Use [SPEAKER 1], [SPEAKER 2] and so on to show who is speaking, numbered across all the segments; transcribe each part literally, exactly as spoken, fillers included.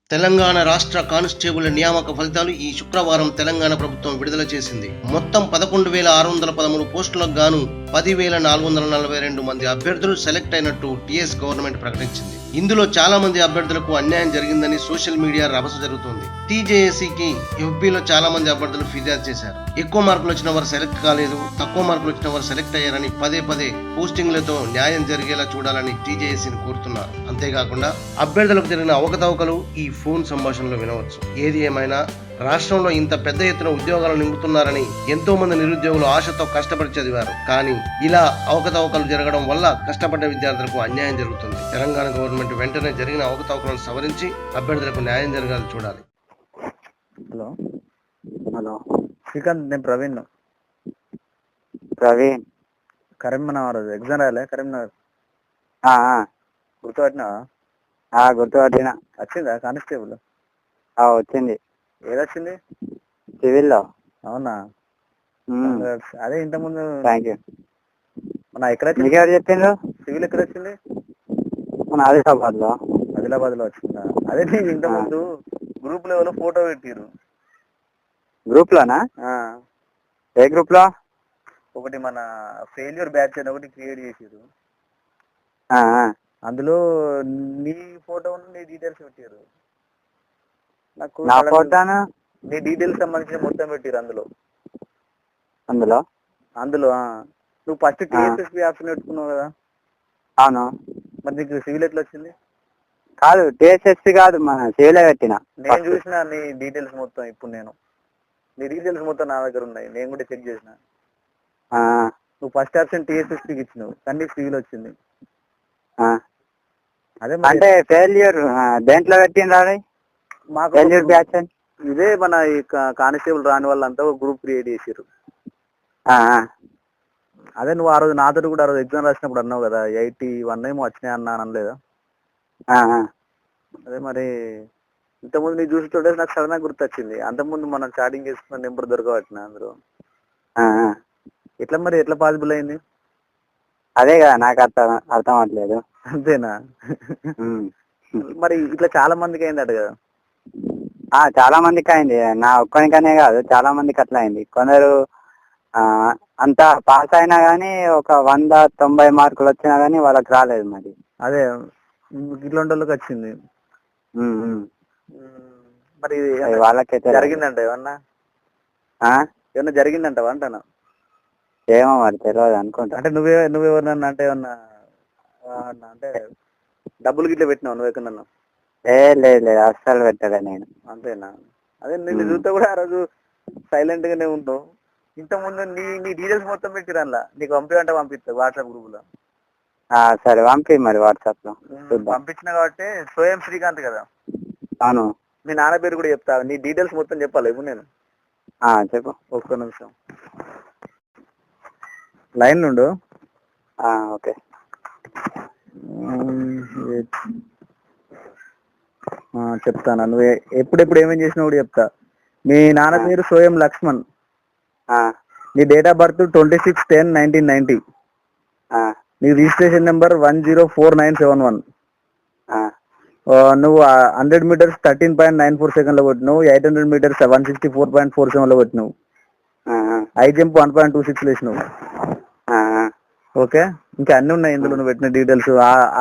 [SPEAKER 1] తెలంగాణ రాష్ట్ర కానిస్టేబుల్ నియామక ఫలితాలు ఈ శుక్రవారం తెలంగాణ ప్రభుత్వం విడుదల చేసింది. మొత్తం పదకొండు వేల ఆరు వందల పదమూడు పోస్టులకు గాను పదివేల నాలుగు వందల నలభై రెండు మంది అభ్యర్థులు సెలెక్ట్ అయినట్టు టీఎస్ గవర్నమెంట్ ప్రకటించింది. ఇందులో చాలా మంది అభ్యర్థులకు అన్యాయం జరిగిందని సోషల్ మీడియా రభస జరుగుతోంది. టీజేఏసీకి ఎఫ్బీలో చాలా మంది అభ్యర్థులు ఫిర్యాదు చేశారు. ఎక్కువ మార్కులు వచ్చిన వారు సెలెక్ట్ కాలేదు, తక్కువ మార్కులు వచ్చిన వారు సెలెక్ట్ అయ్యారని పదే పదే పోస్టింగ్లతో న్యాయం జరిగేలా చూడాలని టీజేఏసీని కోరుతున్నారు. అంతేకాకుండా అభ్యర్థులకు జరిగిన అవకతవకలు ఈ ఫోన్ సంభాషణలో వినవచ్చు. ఏది ఏమైనా రాష్ట్రంలో ఇంత పెద్ద ఎత్తున ఉద్యోగాలు నింపుతున్నారని ఎంతో మంది నిరుద్యోగులు ఆశతో కష్టపడి చదివారు. కానీ ఇలా అవకతవకలు జరగడం వల్ల కష్టపడ్డ విద్యార్థులకు అన్యాయం జరుగుతుంది. తెలంగాణ గవర్నమెంట్ వెంటనే జరిగిన అవకతవకలను సవరించి అభ్యర్థులకు న్యాయం జరగాలి చూడాలి.
[SPEAKER 2] హలో హలో శ్రీకాంత్, నేను ప్రవీణ్.
[SPEAKER 3] ప్రవీణ్
[SPEAKER 2] కరీంనగర్ ఎగ్జామ్ రాయలే, కరీంనగర్ గుర్తుపట్టినావా?
[SPEAKER 3] గుర్తుపట్టిన.
[SPEAKER 2] వచ్చిందా కానిస్టేబుల్?
[SPEAKER 3] వచ్చింది.
[SPEAKER 2] ఏదొచ్చింది?
[SPEAKER 3] సివిల్లో.
[SPEAKER 2] అవునా? అదే ఇంత ముందు
[SPEAKER 3] థ్యాంక్ యూ.
[SPEAKER 2] మన ఎక్కడ వచ్చింది?
[SPEAKER 3] ఎవరు చెప్పిండ్రు?
[SPEAKER 2] సివిల్ ఎక్కడ వచ్చింది?
[SPEAKER 3] మన ఆదిలాబాద్ లో.
[SPEAKER 2] ఆదిలాబాద్ లో వచ్చిందా? అదే నీకు ఇంత ముందు గ్రూప్ లెవెల్ ఫోటో పెట్టిరు.
[SPEAKER 3] గ్రూప్ లోనా? ఏ గ్రూప్ లో?
[SPEAKER 2] ఒకటి మన ఫెయిల్యూర్ బ్యాచ్ అని ఒకటి క్రియేట్ చేసిరు. అందులో నీ ఫోటో నీ డీటెయిల్స్ పెట్టారు. నాకు
[SPEAKER 3] నా ఫోటోను
[SPEAKER 2] నీ డీటెయిల్స్ సంబంధించిన మొత్తం పెట్టిరు అందులో.
[SPEAKER 3] అందులో
[SPEAKER 2] అందులో నువ్వు ఫస్ట్ టీఎస్ఎస్పీ ఆప్షన్ పెట్టుకున్నావు కదా?
[SPEAKER 3] అవును.
[SPEAKER 2] మరి నీకు సివిల్ ఎట్లా వచ్చింది?
[SPEAKER 3] కాదు, టీఎస్ఎస్పీ కాదు, మన సివిలే పెట్టిన.
[SPEAKER 2] నేను చూసిన నీ డీటెయిల్స్ మొత్తం. ఇప్పుడు నేను నీ డీటెయిల్స్ మొత్తం నా దగ్గర ఉన్నాయి, నేను కూడా చెక్ చేసిన. నువ్వు ఫస్ట్ ఆప్షన్ టీఎస్ఎస్పీకి ఇచ్చినావు, కానీ సివిల్ వచ్చింది. అదే
[SPEAKER 3] అంటే ఫెయిల్యూర్ దేంట్లో పెట్టిండ్రు?
[SPEAKER 2] మాకు
[SPEAKER 3] ఫెయిల్యూర్ బ్యాచ్
[SPEAKER 2] ఇదే మన ఈ కానిస్టేబుల్ రాని వాళ్ళంతా ఒక గ్రూప్ క్రియేట్ చేసారు. అదే నువ్వు ఆ రోజు నాతో కూడా ఆ రోజు ఎగ్జామ్ రాసినప్పుడు అన్నావు కదా, ఎయిటీ వన్ ఏమో వచ్చినాయి అన్నా అనలేదా? అదే మరి ఇంతకుముందు నీ చూస్తుంటే నాకు సడన్ గా గుర్తొచ్చింది. అంతకుముందు మనం చాటింగ్ చేసుకున్న నెంబర్ దొరకబట్టిన అందులో. ఎట్లా మరి ఎట్లా పాసిబుల్ అయింది?
[SPEAKER 3] అదే కదా నాకు అర్థం అర్థం అవ్వట్లేదు.
[SPEAKER 2] అంతేనా? మరి ఇట్లా చాలా మందికి అయిందట కదా?
[SPEAKER 3] చాలా మందికి అయింది. నా ఒక్కనికనే కాదు, చాలా మందికి అట్లా అయింది. కొందరు అంతా పాస్ అయినా గానీ ఒక వంద తొంభై మార్కులు వచ్చినా గానీ వాళ్ళకి రాలేదు. మరి
[SPEAKER 2] అదే ఇట్లాంటి వాళ్ళకి వచ్చింది. మరి
[SPEAKER 3] వాళ్ళకైతే
[SPEAKER 2] జరిగిందంట ఏమన్నా? ఏమన్నా జరిగిందంటవా అంటాను?
[SPEAKER 3] ఏమో మరి తెలియదు అనుకుంటా.
[SPEAKER 2] అంటే నువ్వే నువ్వెవరన్నా అంటే ఏమన్నా అంటే డబ్బులు గిట్ల పెట్టినావు నువ్వు ఎక్కడన్నా?
[SPEAKER 3] ఏ లేదు లేదు, అస్సలు పెట్టలే నేను.
[SPEAKER 2] అంతేనా? అదే నేను చూస్తే కూడా ఆ రోజు సైలెంట్ గానే ఉంటావు. ఇంతకుముందు నీ నీ డీటెయిల్స్ మొత్తం పెట్టిరు అందులో. నీకు పంపించంటే పంపిస్తా వాట్సాప్ గ్రూప్ లో.
[SPEAKER 3] సరే పంపి మరి వాట్సాప్ లో.
[SPEAKER 2] పంపించిన కాబట్టి స్వయం శ్రీకాంత్ కదా?
[SPEAKER 3] అవును.
[SPEAKER 2] మీ నాన్న పేరు కూడా చెప్తా, నీ డీటెయిల్స్ మొత్తం చెప్పాలి ఇప్పుడు నేను.
[SPEAKER 3] చెప్పు.
[SPEAKER 2] ఒక్క నిమిషం లైన్ నుండు.
[SPEAKER 3] ఓకే.
[SPEAKER 2] చెప్తాను. నువ్వు ఎప్పుడెప్పుడు ఏమేం చేసినా కూడా చెప్తా. మీ నాన్న పేరు సోయం లక్ష్మణ్. నీ date of birth twenty six ten nineteen ninety. నీ registration number one zero four nine seven one. నువ్వు hundred metres thirteen point nine four second లో కొట్టినావు. Eight hundred metres one sixty four point four seven లో కొట్టినావు. High jump one point two six వేసినావు. Okay, ఇంకా అన్ని ఉన్నాయి ఇందులో నువ్వు పెట్టిన డీటెయిల్స్.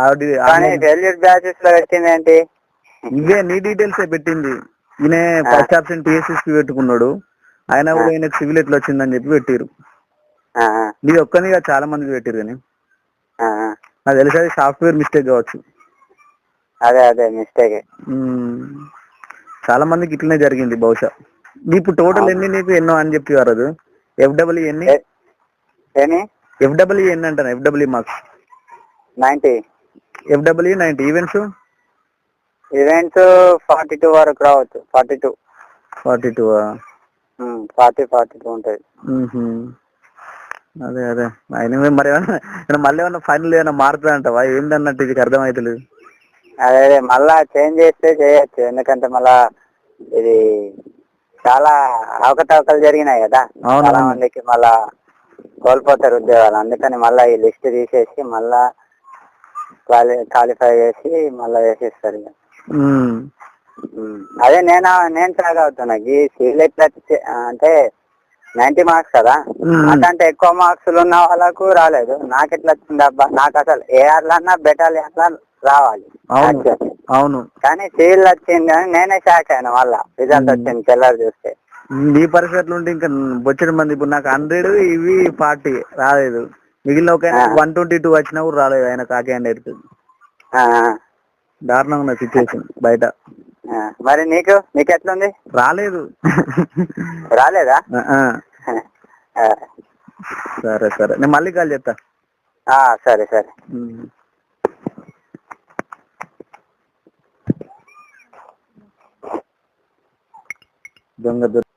[SPEAKER 2] ఇవే నీ డీటెయిల్స్ పెట్టింది. ఈయన ఫస్ట్ ఆప్షన్ టీఎస్ఎస్పీ పెట్టుకున్నాడు, ఆయన కూడా ఈయనకు సివిల్ ఎట్లా వచ్చిందని చెప్పి పెట్టిరు. నీ ఒక్కనిగా చాలా మందికి పెట్టిరు. కానీ నాకు తెలిసి అది సాఫ్ట్వేర్ మిస్టేక్ కావచ్చు.
[SPEAKER 3] అదే అదే మిస్టేక్.
[SPEAKER 2] చాలా మందికి ఇట్లనే జరిగింది బహుశా. ఇప్పుడు టోటల్ ఎన్ని నీకు ఎన్నో అని చెప్పి వారు ఎఫ్డబ్ల్యూ ఎన్ని ఎఫ్డబ్ల్యూ ఎన్ని అంటాను? FW marks
[SPEAKER 3] ninety.
[SPEAKER 2] FW ninety. Events
[SPEAKER 3] events forty two వరకు రావచ్చు. Forty two
[SPEAKER 2] forty two
[SPEAKER 3] forty forty two ఉంటుంది.
[SPEAKER 2] అదే అదే ఆయన మరి ఏమన్నా మళ్ళీ ఏమన్నా ఫైనల్ ఏమన్నా మారుతుంది అంటావా? ఏంటన్నట్టు ఇది అర్థమవుతలేదు.
[SPEAKER 3] అదే అదే మళ్ళా చేంజ్ చేస్తే చేయొచ్చు. ఎందుకంటే మళ్ళా ఇది చాలా అవకతవకలు జరిగినాయి కదా, చాలా మందికి మళ్ళా కోల్పోతారు ఉద్యోగాలు. అందుకని మళ్ళా ఈ లిస్ట్ తీసేసి మళ్ళా క్వాలి క్వాలిఫై చేసి మళ్ళా వేసేస్తారు. ఇక అదే నేను నేను షాక్ అవుతున్నా ఈ సివిల్ ఎట్లా చే- అంటే నైన్టీ మార్క్స్ కదా, నాకంటే ఎక్కువ మార్క్స్ ఉన్న వాళ్ళకు రాలేదు, నాకు ఎట్లా వచ్చింది అబ్బా, నాకు అసలు ఏఆర్లో అన్నా బెటాలియన్ రావాలి
[SPEAKER 2] అవును
[SPEAKER 3] actually.
[SPEAKER 2] అవును
[SPEAKER 3] కానీ సివిల్ వచ్చింది అని నేనే షాక్ అయినా, మళ్ళా రిజల్ట్ వచ్చింది తెల్లారి చూస్తే.
[SPEAKER 2] ఈ పరిస్థితులు ఉంటే ఇంకా బొచ్చడి మంది, ఇప్పుడు నాకు హండ్రెడ్ ఇవి ఫార్టీ రాలేదు, మిగిలిన ఒక వన్ ట్వంటీ టూ వచ్చినా కూడా రాలేదు ఆయన ఆ క్యాండిడేట్.
[SPEAKER 3] ఆ,
[SPEAKER 2] దారుణంగా ఉన్న సిచ్యువేషన్ బయట.
[SPEAKER 3] ఆ, మరి నీకు నీకు ఎట్లుంది?
[SPEAKER 2] రాలేదు.
[SPEAKER 3] రాలేదా?
[SPEAKER 2] ఆ, ఆ.
[SPEAKER 3] ఆ,
[SPEAKER 2] సరే సరే నేను మళ్ళీ కాల్ చేస్తా.
[SPEAKER 3] ఆ, సరే సరే.
[SPEAKER 2] ఉమ్. దొంగ దొ